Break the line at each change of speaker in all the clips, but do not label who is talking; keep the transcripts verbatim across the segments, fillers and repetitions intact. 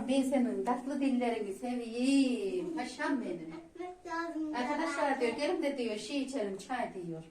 Allah'ım ben senin tatlı dillerini seveyim. Paşam benim. Arkadaşlar diyor gelin de diyor şey içelim çay diyor.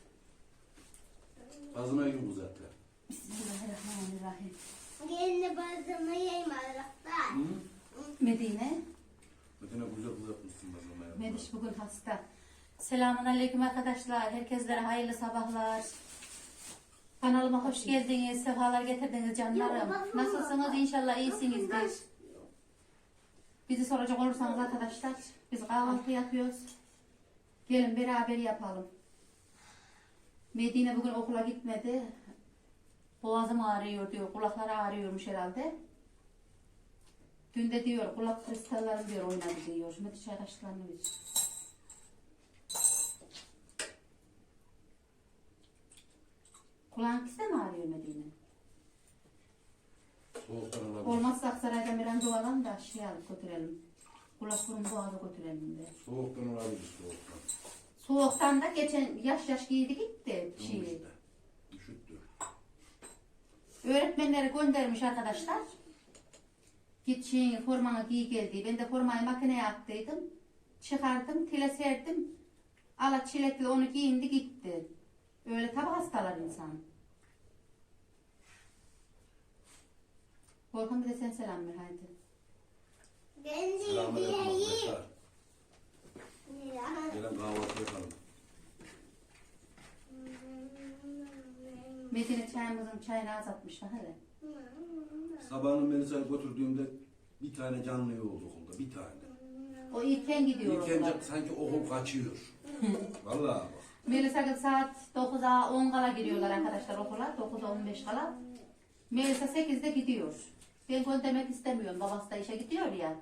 Bazıma gibi uzatlar.
Bismillahirrahmanirrahim.
Gelin bazımı yiyeyim Allah'tan.
Hı?
Medine.
Medine güzel uzatmışsın bazıma ya.
Mediş bugün hasta. Selamun aleyküm arkadaşlar. Herkeslere hayırlı sabahlar. Kanalıma hoş geldiniz. Sefalar getirdiniz canlarım. Nasılsınız? İnşallah iyisinizdir. Bizi soracak olursanız arkadaşlar biz kahvaltı yapıyoruz. Gelin beraber yapalım. Medine bugün okula gitmedi. Boğazım ağrıyor diyor. Kulakları ağrıyormuş herhalde. Dün de diyor kulak kristallerim diyor oynadı diyor. Mediş arkadaşlarını bir. Kulağın ikisi de mi ağrıyor Medine?
Soğuktan olabilir.
Olmazsa Aksaray'dan bir randevu alalım da şey alıp götürelim. Kulak burun boğaza götürelim de.
Soğuktan olabilir soğuktan.
Soğuktan da geçen yaş yaş giydi gitti.
Tamam
Şey.
işte. Üşüttü.
Öğretmenleri göndermiş arkadaşlar. Git şeyini formanı giy geldi. Ben de formayı makineye attıydım. Çıkardım, tile serdim. Ala çilekli onu giyindi gitti. Öyle tabi hastalar insan. Volkan bir de sen selam ver haydi.
Ben de
Selamünaleyküm
yiyeyim.
arkadaşlar. Gelin kahvaltı yapalım.
Medine çayımızın çayını azaltmışlar hele.
Sabahın Melisa'yı götürdüğümde bir tane canlı oldu okulda. Bir tane.
O ilken gidiyor
İlk önce
okula.
sanki okul kaçıyor. Vallahi bak.
Melisa kız saat dokuza on kala giriyorlar arkadaşlar okula. dokuza on beş kala. Melisa sekizde gidiyor. Ben göndermek istemiyorum. Babası da işe gidiyor ya.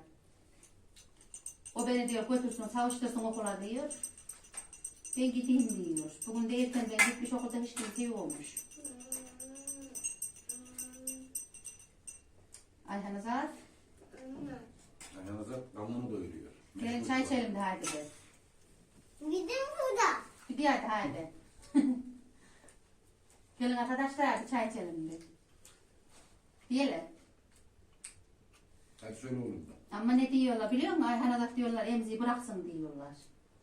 O beni diyor götürsün, savuştursun okula diyor. Ben gideyim diyor. Bugün de erkenden gitmiş okulda hiç kimse yokmuş. Ayhan Azat.
Ayağınıza damlını doyuruyor.
Gelin
Meşgul
çay
var.
içelim de haydi de.
Gidin burada.
Bir hadi haydi. Gelin arkadaşlar bir çay içelim de. Diyelim.
Hadi söyle oğlum da.
Ama ne diyorlar biliyor musun? Ayhan Azat diyorlar emziği bıraksın diyorlar.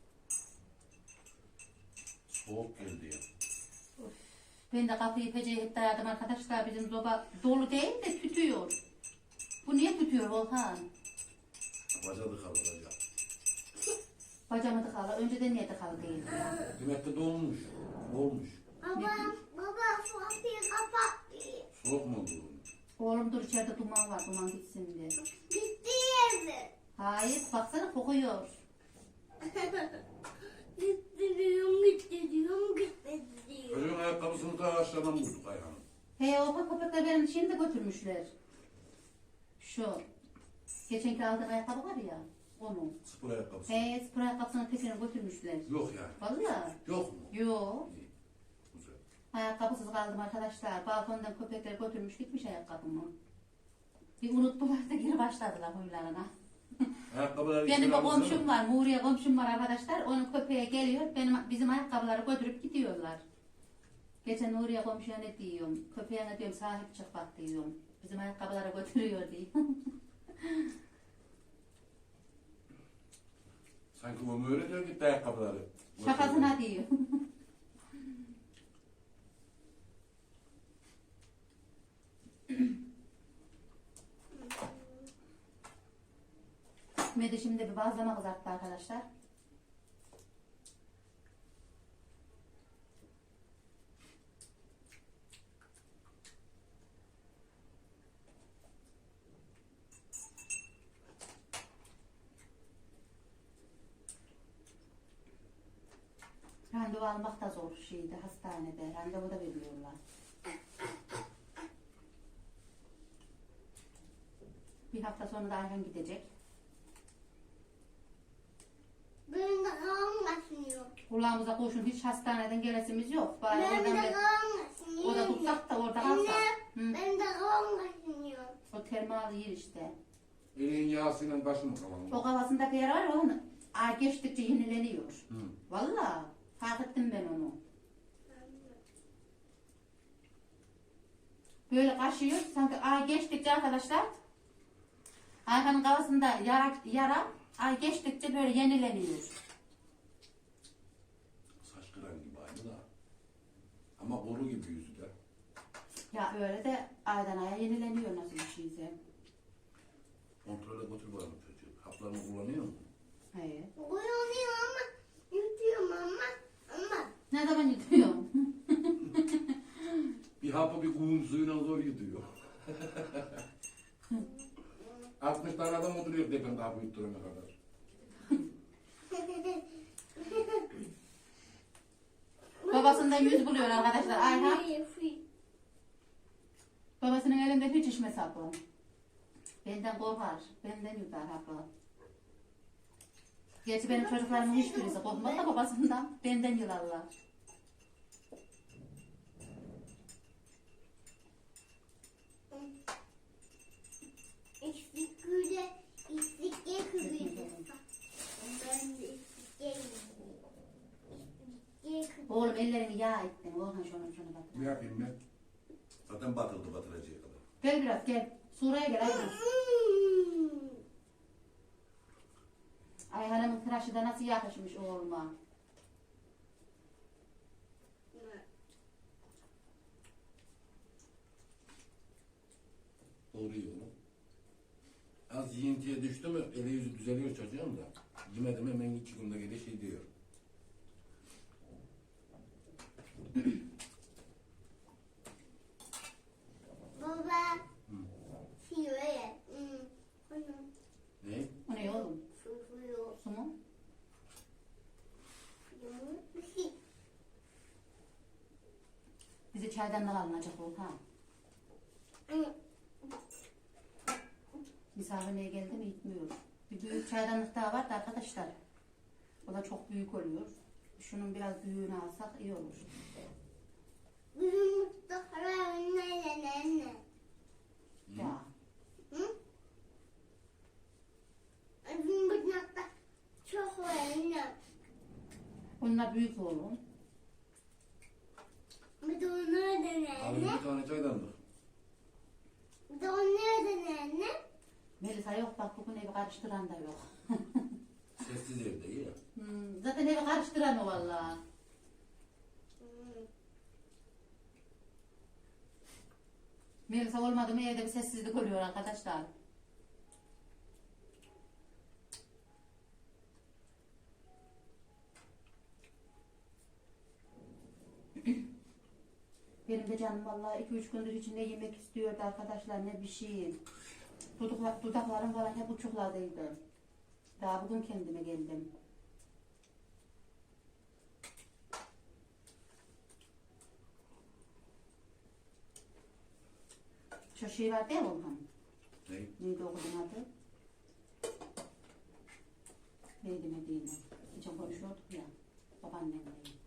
Soğuk geldi ya.
Ben de kapıyı peceye hep dayadım arkadaşlar. Bizim soba dolu değil de tütüyor. Bu niye tütüyor Volkan?
Bacadı kaldı bacağı.
Bacamı tıkalı. Önceden niye tıkalı değil?
Demek ki donmuş. Olmuş.
Baba, baba kapıyı kapat.
Soğuk mu oldu oğlum?
Oğlum dur içeride duman var. Duman gitsin diye.
Gitti yerde.
Hayır baksana kokuyor.
Gitti diyorum, gitti diyorum, gitti diyorum.
Çocuğun ayakkabısını ta aşağıdan vurduk ayağını.
He o köpekler benim şeyimi de götürmüşler. Şu. Geçenki aldığım ayakkabı var ya. Onu.
Spor ayakkabısı.
He spor ayakkabısının tekini götürmüşler.
Yok yani.
Vallahi.
Yok mu?
Yok.
İyi. Güzel.
Ayakkabısız kaldım arkadaşlar. Balkondan köpekler götürmüş gitmiş ayakkabımı. Bir unuttular da geri başladılar huylarına.
Ayakkabıları
Benim bir
içine almışsın
komşum
ama.
var, Nuriye komşum var arkadaşlar. Onun köpeğe geliyor, benim bizim ayakkabıları götürüp gidiyorlar. Geçen Nuriye komşuya ne diyorum, köpeğine diyorum sahip çık bak diyorum. Bizim ayakkabıları götürüyor diyorum.
Sanki o öyle diyor gitti ayakkabıları.
Şakasına diyor. Medi şimdi bir bazlama kızarttı arkadaşlar. Randevu almak da zor şeydi hastanede. Randevu da veriyorlar. Bir hafta sonra da Ayhan gidecek.
Benim de kafam kaşınıyor.
Kulağımıza koşun hiç hastaneden gelesimiz yok. Bari
Benim
oradan
de
bir,
kafam kaşınıyor.
orada tutsak da orada
Anne,
kalsak. Hı.
benim de kafam kaşınıyor.
O termal yer işte.
Elin yağsıyla başını kavalım.
O kafasındaki yer var ya onun ay geçtikçe yenileniyor.
Hı.
Vallahi fark ettim ben onu. Böyle kaşıyor sanki ay geçtikçe arkadaşlar Ayhan'ın kafasında yara, yara ay geçtikçe böyle yenileniyor.
Saç kıran gibi aynı da. Ama boru gibi yüzü de.
Ya öyle de aydan aya yenileniyor nasıl bir şeyse.
Kontrole götür bakalım çocuğu. Haplarını kullanıyor mu?
Hayır.
Uyanıyor ama yutuyorum ama ama.
Ne zaman yutuyor?
Bir hapı bir kuyum suyuna zor yutuyor. altmış tane adam oturuyor tepemde hapı yutturana kadar.
Babasından yüz buluyor arkadaşlar. Ayhan babasının elinde hiç içmez hapı. Benden korkar. Benden yutar hapı. Gerçi benim çocuklarımın hiçbirisi korkmaz da babasından. Benden yılarlar.
İstikliğe, istikliğe kırıyordum. Ben de istikliğe istikliğe
Oğlum ellerini yağ ettin. Orhan şunu şunu bak.
Ne yapayım ben? Zaten batırdı batıracağı kadar.
Gel biraz gel. Suraya gel Ayhan.
kırıyordum.
Ayhan'ın tıraşı da nasıl yakışmış oğluma.
Doğru yiyorum. Az yiyintiye düştü mü eli yüzü düzeliyor çocuğun da. Yemedim hemen iki günde geri şey diyor.
Baba,
Hı.
siyoye. Hmm. Onu
Ne?
O ne oğlum?
fufuyor.
Su mu?
Bir şey.
Bizi çaydanlık alınacak Orhan.
Hı.
Misafirliğe geldi mi gitmiyor. Bir büyük çaydanlık daha var da arkadaşlar. O da çok büyük oluyor. Şunun biraz büyüğünü alsak iyi olur.
Bizim Mustafa anne anne.
Ya.
Hı? Bizim Mustafa çok var anne.
Onlar büyük oğlum.
Bir de onlar da
Abi
anne.
bir tane çaydanlık.
Bir de onlar da anne.
Melisa yok bak bugün evi karıştıran da yok.
Sessiz evde iyi ya.
Hmm, zaten evi karıştıran o valla.
Hmm.
Melisa olmadı mı evde bir sessizlik oluyor arkadaşlar. Benim de canım vallahi iki üç gündür içinde yemek istiyordu arkadaşlar ne bir şey. Dudaklar, dudaklarım falan hep uçukladıydı. Daha bugün kendime geldim. Şu şey var değil mi Orhan?
Ne?
Neydi o kızın adı? Neydi Medine? Geçen konuşuyorduk ya. Babaannemle.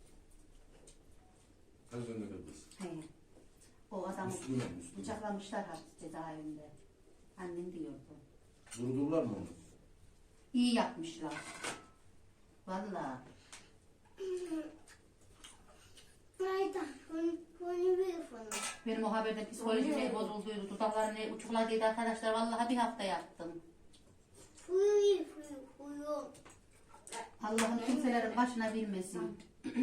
Kaç önünde kız?
He. O adamı
Müslüman, Müslüman.
bıçaklamışlar hapis cezaevinde. Annem diyordu.
Vurdular mı onu?
İyi yapmışlar. Vallahi.
Hayda, onu, onu bir onu.
Benim o haberde psikolojim ne bozulduydu. Dudaklarım ne uçukladıydı arkadaşlar. Vallahi bir hafta yattım.
Fuyu, fuyu, fuyu.
Allah'ın kimselerin başına bilmesin.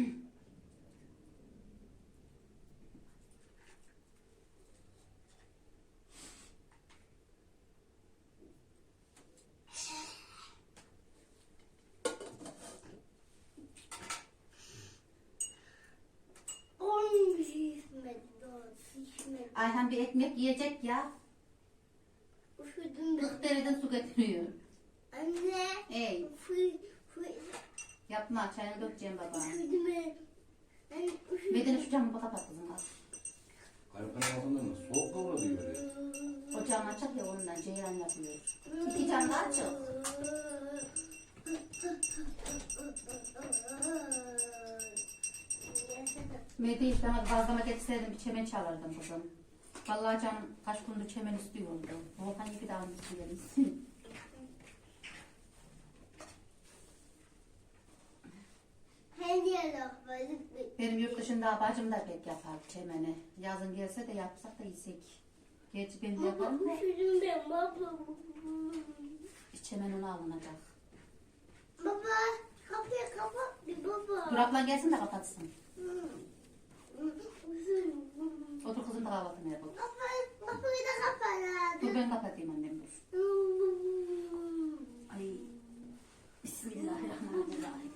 On şişmedi, dört şişmedi.
Ayhan bir ekmek yiyecek ya.
Üşüdüm ben.
Kırk dereden su getiriyor.
Anne.
Ey
Fuyu, fuyu.
yapma çayını dökeceğim baba.
Üşüdüm ben. Ben üşüdüm.
Medine şu camı kapat kızım az.
Hayvanın altından mı? Soğuk kavra diyor ya.
O cam açık ya ondan ceylan yapıyor. İki cam da açık. Medine işte ama bazlama getirseydim bir çemen çalardım kızım. Vallahi canım kaç gündür çemen istiyordu. Volkan gibi daha istiyoruz.
Hediye lafları.
Benim yurt dışında bacım da pek yapar çemeni. Yazın gelse de yapsak da yesek. Gerçi ben de yaparım da.
Üşüdüm ben baba.
Hiç hemen onu alınacak.
Baba kapıyı kapat bir baba.
Dur ablan gelsin de kapatsın.
Üşüdüm.
Otur kızım da kahvaltını yap. otur.
Kapı, kapıyı da kapat.
Dur ben kapatayım annem dur. Ay. Bismillahirrahmanirrahim.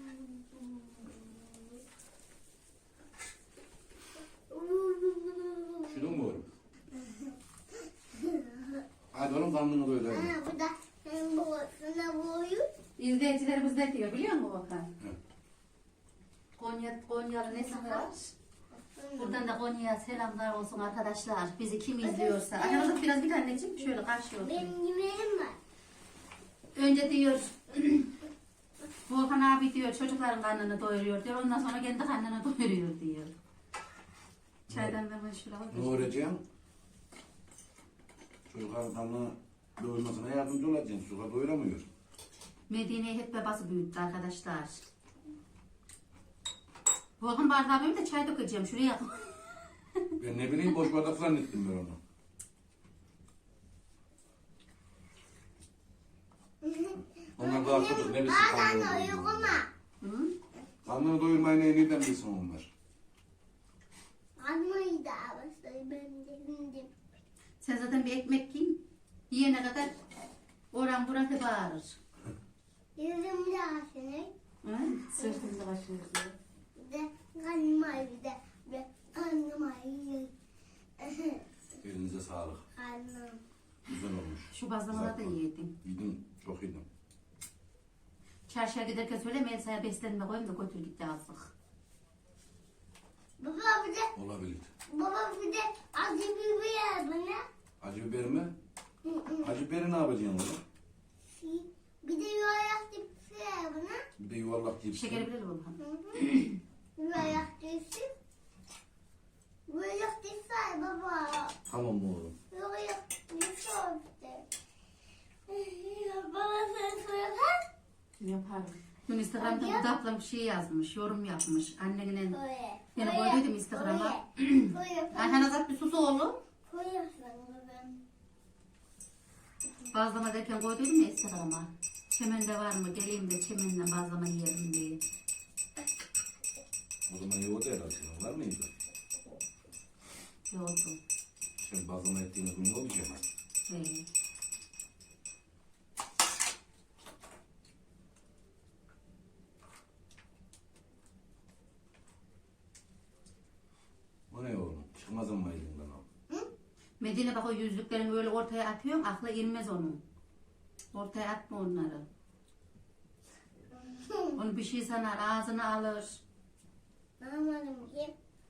Üşüdün mü oğlum? Hadi oğlum karnını doyur. hadi.
Ha, bu da senin babasına boyu.
İzleyicilerimiz ne diyor biliyor musun Bakan?
Hı.
Konya, Konyalı nesi var? Buradan da Konya'ya selamlar olsun arkadaşlar. Bizi kim izliyorsa. Ayağınızı biraz bir anneciğim şöyle karşı olsun.
Benim yemeğim var.
Önce diyor Volkan abi diyor çocukların karnını doyuruyor diyor. Ondan sonra kendi karnını doyuruyor diyor. Çaydan da ben şuraya
Ne
koyayım.
öğreteceğim? Çocukların karnını doyurmasına yardımcı olacaksın. Suka doyuramıyor.
Medine'yi hep babası büyüttü arkadaşlar. Volkan bardağı benim de çay dökeceğim şuraya.
Ben ne bileyim boş bardak zannettim ben onu. Onlar daha çocuk ne bilsin
Bazen
karnını
de
doyurmayı.
uyuma.
Hı?
Karnını doyurmayı ne nereden bilsin onlar?
Anlayı da başlayı ben de indim.
Sen zaten bir ekmek yiyin. Yiyene kadar oran buratı bağırır.
Yüzüm de aşınır.
Hı? Sırtımda başlıyoruz.
Bir de karnım ağrıyor bir de. Bir de karnım ağrıyor.
Elinize sağlık.
Karnım.
Güzel olmuş.
Şu bazlamaları da
Güzel.
yedim.
Yedim, çok yedim.
Çarşıya giderken söyle Melisa'ya beslenme koyayım da götür gitti azlık.
Baba bir de,
Olabilir.
baba bir de acı biber ver bana.
Acı biber mi?
Hı hı.
Acı biberi ne yapacaksın oğlum?
Bir de yuvarlak cips ver bana.
Bir de yuvarlak cips.
Şekeri bilir Volkan.
Hı hı. Yuvarlak cips. Yuvarlak cips ver baba.
Tamam mı oğlum?
Yuvarlak cips ver işte. Baba sen söyler.
Yaparım. Dün Instagram'da bu da ablam bir şey yazmış, yorum yapmış. Annenin
Koye.
yani koyduydum Instagram'a.
Koye.
Ayhan Azat bir sus oğlum.
Koye sana ben.
Bazlama derken koyduydum ya Instagram'a. Çemende var mı? Geleyim de çemenle bazlama yiyelim diye.
O zaman yoğurdu herhalde. Var mıydı?
Yoldu.
Sen bazlama ettiğiniz gün yoğurdu ya.
Ee,
O ne oğlum? Çıkmaz ama elinden al.
Medine bak o yüzlüklerini böyle ortaya atıyorsun, akla inmez onun. Ortaya atma onları. Onu bir şey sanar, ağzına alır.
Anlamadım ki.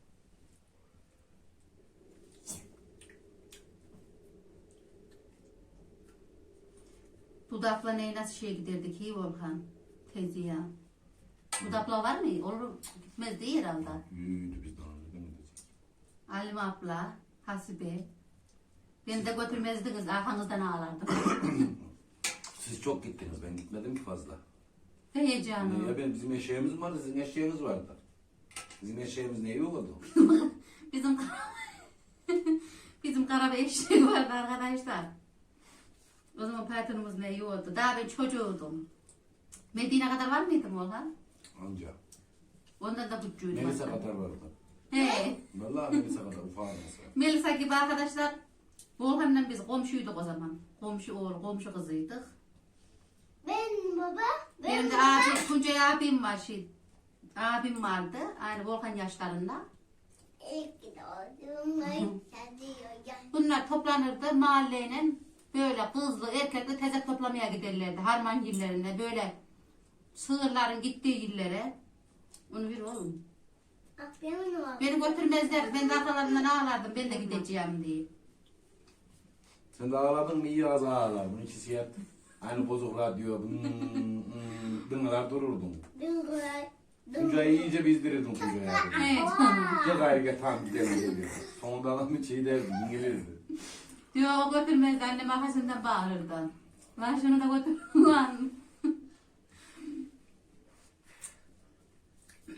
Dudakla neyi nasıl şey giderdik iyi Volkan? Teyze ya. Dudakla var mı? Olur, gitmez değil herhalde.
Büyüdü bizden önce değil mi diyecek?
Halim abla, Hasibe. Beni de götürmezdiniz, arkanızdan ağlardım.
Siz çok gittiniz. Ben gitmedim ki fazla.
Heyecanım.
Ya ben bizim eşeğimiz vardı. Sizin eşeğiniz vardı. Bizim eşeğimiz ne yolladı?
Bizim bizim kara bir eşeği vardı arkadaşlar. O zaman patronumuz ne yiyordu. Daha ben çocuğuydum. Medine kadar var mıydım Volkan?
Anca.
Ondan da küçüğüydüm.
Melisa
hatta.
kadar vardı.
He.
Vallahi Melisa kadar ufak mesela.
Melisa gibi arkadaşlar. Volkan'la biz komşuyduk o zaman. Komşu oğlu, komşu kızıydık.
Ben baba. Ben
Benim de
baba.
abi, Tuncay abim var şey. Abim vardı. Aynı Volkan yaşlarında.
İlk doğduğum ay çadıyor ya.
Bunlar toplanırdı mahalleyle böyle kızlı erkekli tezek toplamaya giderlerdi. Harman yerlerine böyle sığırların gittiği yerlere. Onu bir oğlum.
Aferin oğlum.
Beni götürmezler. Ben de arkalarından ağlardım. Ben de gideceğim diye.
Sen de ağladın mı iyi az ağlar. Bunun ikisi yat. Aynı bozuk radyo. Hmm, hmm, dınlar dururdun.
Dıngıray.
Tuncay'ı iyice bizdirirdin Tuncay'a.
Evet canım.
Gel gayrı gel tamam gidelim diyor. Sonunda adam hiç iyi derdi. İngilizdi.
Diyor o götürmezdi. Annem arkasından bağırırdı. Lan şunu da götür. Lan.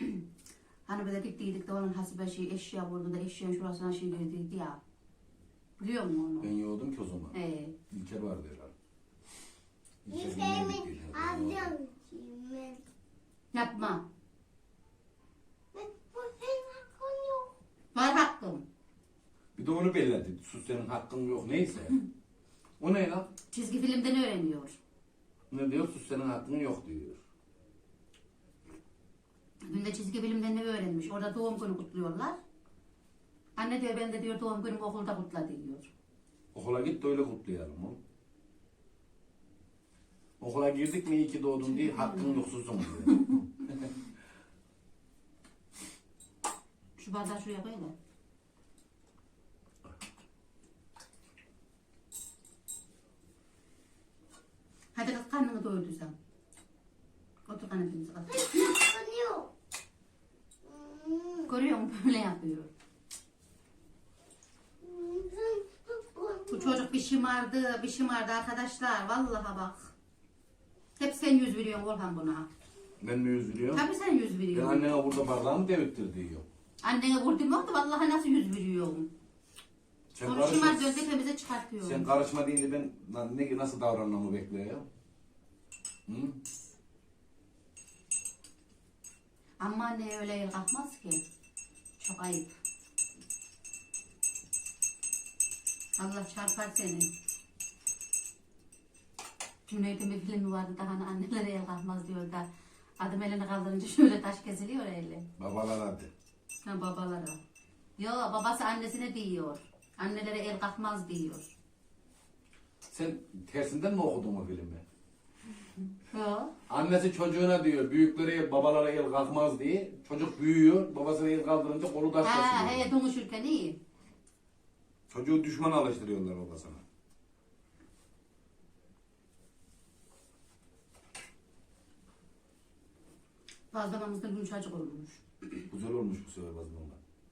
Hani bir de gittiydik de onun hasibe şey eşya vurdu da eşyanın şurasına şey girdiydi ya. Biliyor musun
Ben
onu?
yoğurdum ki o zaman.
He.
İlker vardı herhalde.
Bir
İlker
şeyimi
yedik dedi, herhalde.
alacağım şimdi.
Yapma.
Ben bu senin hakkın yok.
Var hakkım.
Bir de onu belledi. Sus senin hakkın yok neyse. O ne lan?
Çizgi filmden öğreniyor.
Ne diyor? Sus senin hakkın yok diyor.
Dün de çizgi filmden ne öğrenmiş? Orada doğum günü kutluyorlar. Anne diyor ben de diyor doğum günümü okulda kutla diyor.
Okula git de öyle kutlayalım oğlum. Okula girdik mi iyi ki doğdun diye hakkın yok susun diyor.
Şu bardağı şuraya koy da. Hadi kız karnını doyurduysan. Otur kanepimize kız.
Senin hakkın yok. Hmm.
Görüyor musun böyle yapıyor.
Senin hakkın
Bu
yok.
çocuk bir şımardı, bir şımardı arkadaşlar. Vallahi bak. Hep sen yüz veriyorsun Orhan buna.
Ben mi üzülüyorum?
Tabii sen yüz
Ben
veriyorsun.
annene burada bardağımı devirttir diyor.
Annene vurdum yok da vallahi nasıl yüz veriyorsun.
Sen
Sonra
karışma,
şımartıyorsun tepemize çıkartıyorsun.
sen karışma deyince ben lan ne, nasıl davranmamı bekliyor? Hı?
Ama anne öyle el kalkmaz ki. Çok ayıp. Allah çarpar seni. Cüneyt'in bir filmi vardı da hani annelere el kalkmaz diyor da adım elini kaldırınca şöyle taş kesiliyor eli.
Babalar hadi.
Ha babalara. Yo babası annesine diyor. Annelere el kalkmaz diyor.
Sen tersinden mi okudun o filmi?
Yo.
Annesi çocuğuna diyor, büyüklere, babalara el kalkmaz diye. Çocuk büyüyor, babasına el kaldırınca kolu taş
Ha
kesiliyor.
he donuşurken iyi.
Çocuğu düşman alıştırıyorlar babasına.
Bazlamamız da yumuşacık olmuş.
Güzel olmuş bu sefer bazlama.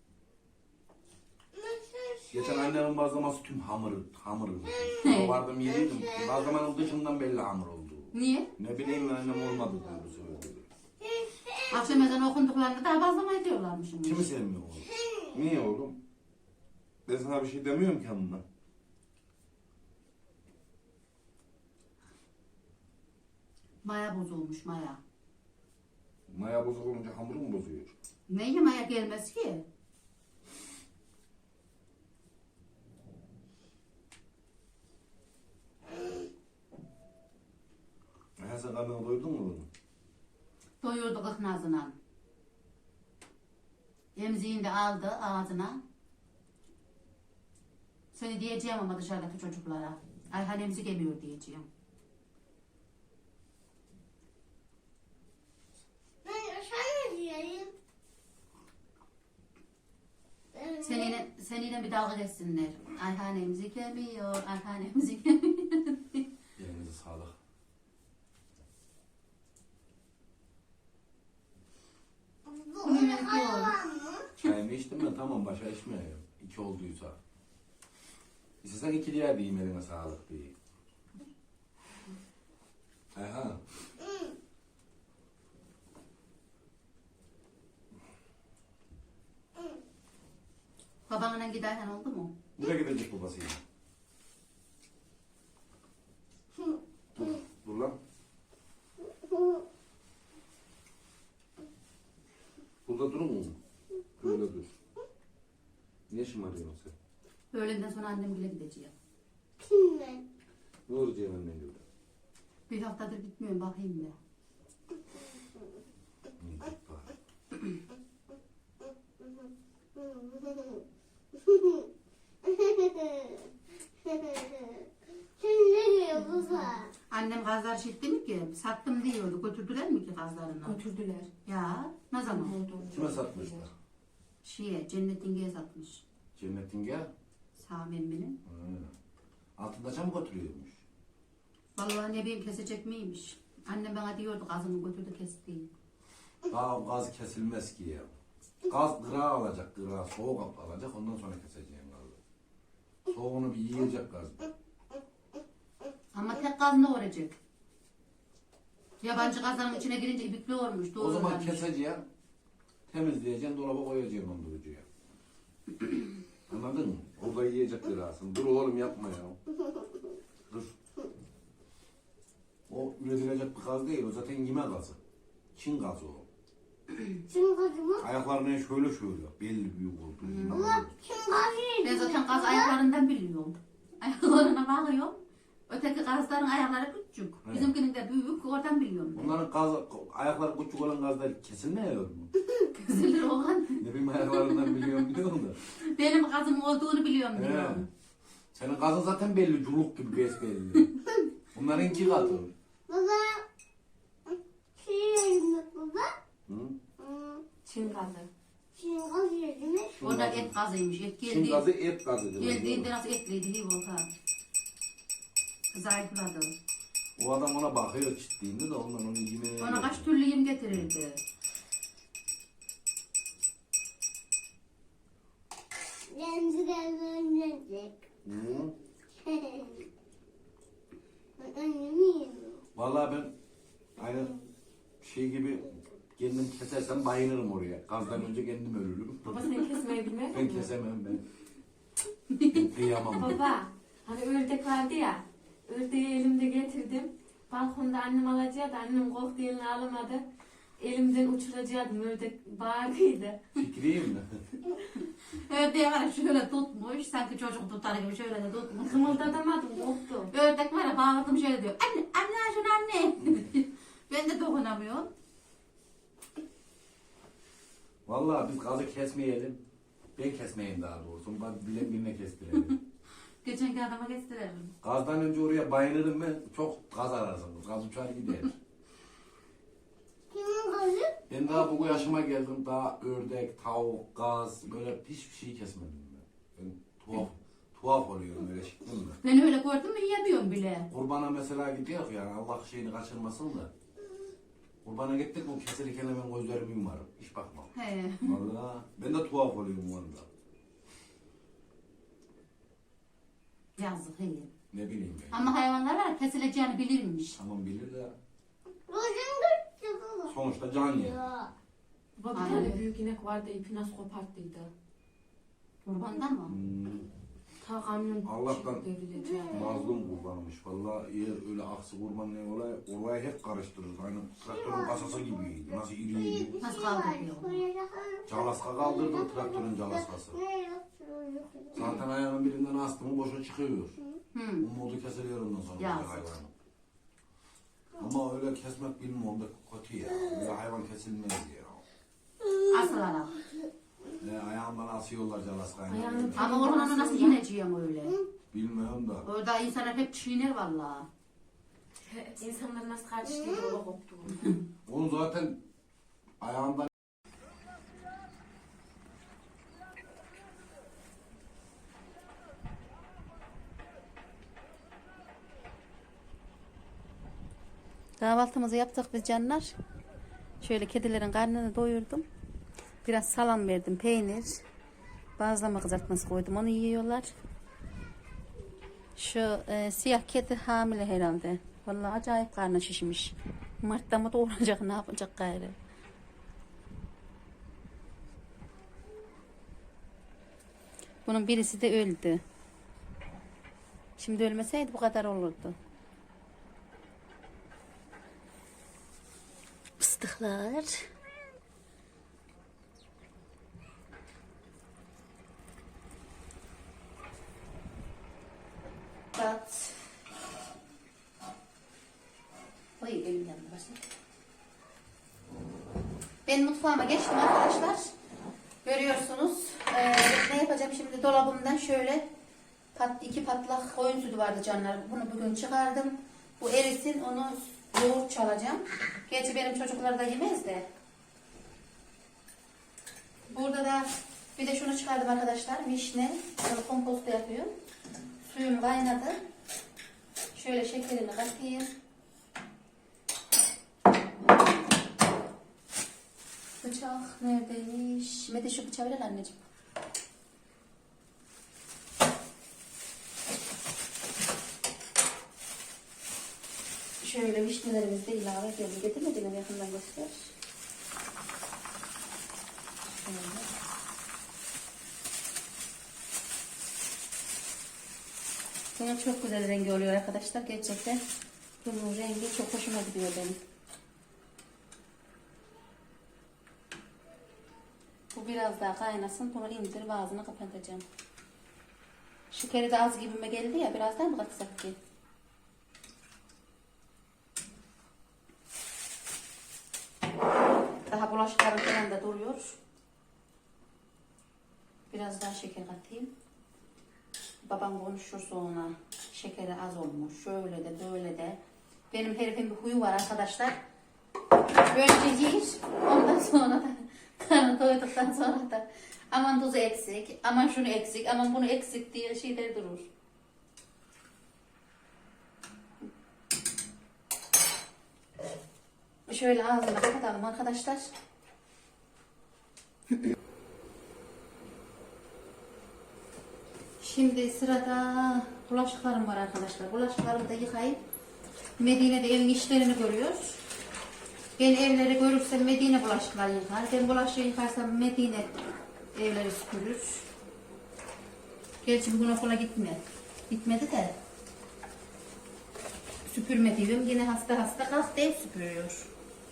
Nasıl
Geçen annemin bazlaması tüm hamur, hamur.
He.
O vardım yediydim. Bazlamanın dışından belli hamur oldu.
Niye?
Ne bileyim ben annem olmadı diyor bu sefer. dedi.
Akşam ezanı okunduklarında daha bazlama ediyorlarmışım.
Kimi sevmiyor oğlum? Niye oğlum? Ben sana bir şey demiyorum ki hanımla.
Maya bozulmuş maya.
Maya bozuk olunca hamuru mu bozuyor?
Neyle maya gelmez ki?
Ha sen karnını doydun mu bunu?
Doyurdu kıknazına. Emziğini de aldı ağzına. Seni diyeceğim ama dışarıdaki çocuklara. Ayhan emzik emiyor diyeceğim.
Ben sana diyeyim. Ben-
Seninle, seninle bir dalga geçsinler. Ayhan emzik emiyor, Ayhan emzik emiyor.
Elinize sağlık.
Bu öyle hayvan mı?
Çayımı içtim ben tamam başa içmiyorum. İki olduysa. İstesen iki diğer diyeyim eline sağlık diye. Aha.
Hı.
Babanla gidi Ayhan oldu mu?
Nereye gidecek babasıyla? Dur, dur lan. Burada durur mu? Böyle dur. Niye şımarıyorsun sen?
Öğlenden sonra annem bile gideceğim.
Kimle?
Ne olacak annen gibi?
Bir haftadır gitmiyorum bakayım da.
İyi, git bari.
Sen ne diyor baba?
Annem gazlar şitti mi ki? Sattım diyordu. Götürdüler mi ki gazlarını?
Götürdüler.
Ya ne zaman?
Kime satmışlar?
Şeye, Cennet İnge'ye satmış.
Cennetin gel.
Sami emminin.
Ha. Altında çam götürüyormuş.
Vallahi ne bileyim kesecek miymiş? Annem bana diyordu gazını götürdü kesti.
Daha gaz kesilmez ki ya. Gaz gıra alacak, gıra soğuk alacak ondan sonra keseceğim gazı. Soğuğunu bir yiyecek gaz.
Ama tek gaz ne olacak? Yabancı gazların içine girince ibikli olmuş.
O zaman
doğrulanmış.
keseceğim, temizleyeceğim, dolaba koyacağım dondurucuya. Anladın mı? Orada yiyecek kırasın. Dur oğlum yapma ya. Dur. O üretilecek bir gaz değil. O zaten yeme gazı. Çin gazı o.
Çin gazı mı?
Ayaklarına şöyle şöyle. Belli büyük oldu. Hmm.
Allah Çin gazı.
Ben zaten gaz ayaklarından biliyorum. Ayaklarına bakıyorum. Öteki gazların ayakları küçük.
Evet.
Bizimkinin de büyük. Oradan biliyorum.
Bunların gaz, ayakları küçük olan gazlar kesilmiyor mu?
Kızılır olan.
Ne bileyim ayaklarından biliyorum biliyorum da.
Benim gazım olduğunu biliyorum
He.
diyorum.
Senin gazın zaten belli. Culuk gibi besbelli. Bunların iki katı.
Baba. Şey yedim mi baba?
Hı?
Hmm,
Çin gazı.
Çin gazı yedim mi?
Çin
Orada
gazı.
et gazıymış. Et
Çin
geldi.
gazı et gazıdır.
Geldiğinde nasıl etliydi iyi volkan. Zayıfladı.
O adam ona bakıyor çittiğinde de ondan onu yemeye
Ona kaç türlü yem getirirdi.
Renzi gelmeyecek.
Hı?
Annemi yiyor.
Vallahi ben aynı şey gibi kendim kesersem bayılırım oraya. Gazdan önce kendim ölürüm.
Baba sen kesmeyi bilmez
Ben
misin?
kesemem ben. Ben kıyamam.
Baba hani ördek vardı ya. Ördeği elimde getirdim. Balkonda annem alacaktı. Annem korktu eline alamadı. Elimden uçuracaktım. Ördek bağırdıydı.
Fikriyim mi?
Ördeği var ya şöyle tutmuş. Sanki çocuk tutar gibi şöyle de tutmuş.
Kımıldatamadım korktum.
Ördek var ya bağırdım şöyle diyor. Anne, anne şunu anne. Ben de dokunamıyorum.
Vallahi biz gazı kesmeyelim. Ben kesmeyeyim daha doğrusu. Bak bilen birine kestirelim.
Geçenki adama gösterelim.
Gazdan önce oraya bayılırım ben. Çok gaz ararsınız. Gaz uçar gider.
Kimin gazı?
Ben daha bu yaşıma geldim. Daha ördek, tavuk, gaz böyle hiçbir şey kesmedim ben. Ben tuhaf, tuhaf oluyorum öyle şıkkın da.
Ben öyle gördüm mü yiyemiyorum bile.
Kurbana mesela gidiyor yani Allah şeyini kaçırmasın da. Kurbana gittik o kesilirken hemen gözlerimi yumarım. Hiç bakmam.
He.
Vallahi ben de tuhaf oluyorum o anda.
Yazık he.
Ne bileyim ben.
Ama hayvanlar var ya, kesileceğini bilirmiş.
Tamam bilir de
Gözüm gitti baba.
sonuçta can yer.
Ya.
Baba bir
Aynen.
tane büyük inek vardı. İpi nasıl koparttıydı.
Kurbandan mı?
Hmm,
Ta kamyon
Allah'tan
çıktı devrileceği.
mazlum kurbanmış. Vallahi eğer öyle aksi kurban ne olay, orayı hep karıştırırız. Aynı traktörün kasası gibiydi. Nasıl iriydi.
Nasıl kaldırıyor?
Calaska kaldırdım traktörün calaskası. Zaten ayağının birinden astımı boşa çıkıyor.
Hı.
O modu kesiliyor ondan sonra
Ya.
bir hayvanı. Ama öyle kesmek bilmiyorum da kötü ya. Öyle hayvan kesilmez ya.
Asılarak.
Ne ayağından asıyorlar calaskayı.
Ayağını-
Ama oranı nasıl yeneceğim öyle?
Bilmiyorum da.
Orada insanlar hep çiğner vallahi.
İnsanlar nasıl karşılıyor yola koptu.
Onu zaten ayağından
Kahvaltımızı yaptık biz canlar. Şöyle kedilerin karnını doyurdum. Biraz salam verdim, peynir. Bazlama kızartması koydum, onu yiyorlar. Şu e, siyah kedi hamile herhalde. Vallahi acayip karnı şişmiş. Mart'ta mı doğuracak, ne yapacak gayrı? Bunun birisi de öldü. Şimdi ölmeseydi bu kadar olurdu. Fıstıklar. Tat. Oy benim yanımda başla. Ben mutfağıma geçtim arkadaşlar. Görüyorsunuz. Ee, ne yapacağım şimdi dolabımdan şöyle pat, iki patlak koyun sütü vardı canlar. Bunu bugün çıkardım. Bu erisin, onu yoğurt çalacağım. Gerçi benim çocuklar da yemez de. Burada da bir de şunu çıkardım arkadaşlar. Vişne. Bunu komposto yapıyorum. Suyum kaynadı. Şöyle şekerini katayım. Bıçak neredeymiş? Mete şu bıçağı ver anneciğim. Şöyle vişnelerimizi de ilave edelim. Getirmediğim yakından göster. Şöyle. Bunun çok güzel rengi oluyor arkadaşlar. Gerçekten bunun rengi çok hoşuma gidiyor benim. Bu biraz daha kaynasın. Bunu indirip ağzını kapatacağım. Şekeri de az gibime geldi ya. Biraz daha mı katsak ki? Daha bulaşıklarım falan da duruyor. Biraz daha şeker katayım. Babam konuşur sonra. Şekeri az olmuş. Şöyle de böyle de. Benim herifin bir huyu var arkadaşlar. Böylece yer. Ondan sonra da karnı doyduktan sonra da aman tuzu eksik, aman şunu eksik, aman bunu eksik diye şeyler durur. Şöyle ağzını kapatalım arkadaşlar. Şimdi sırada bulaşıklarım var arkadaşlar. Bulaşıklarımı da yıkayıp Medine'de evin işlerini görüyor. Ben evleri görürsem Medine bulaşıkları yıkar. Ben bulaşığı yıkarsam Medine evleri süpürür. Gerçi bugün okula gitme. Gitmedi de. Süpürme diyorum. Yine hasta hasta kalk ev süpürüyor.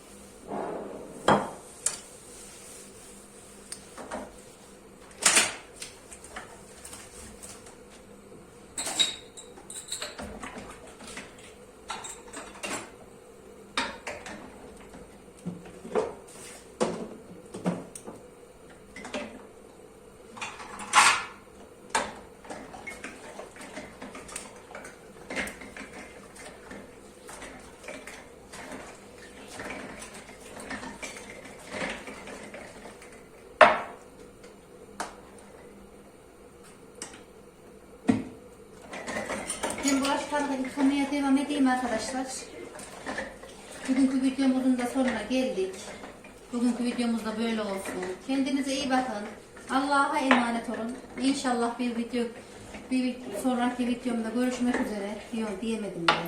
Ben bulaşıklarla yıkamaya devam edeyim arkadaşlar. Bugünkü videomuzun da sonuna geldik. Bugünkü videomuz da böyle olsun. Kendinize iyi bakın. Allah'a emanet olun. İnşallah bir video, bir sonraki videomda görüşmek üzere. Yok diyemedim ben.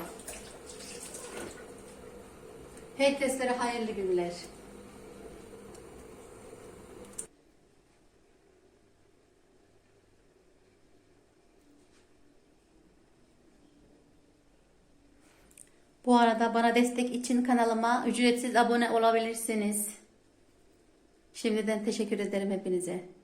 Herkeslere hayırlı günler. Bu arada bana destek için kanalıma ücretsiz abone olabilirsiniz. Şimdiden teşekkür ederim hepinize.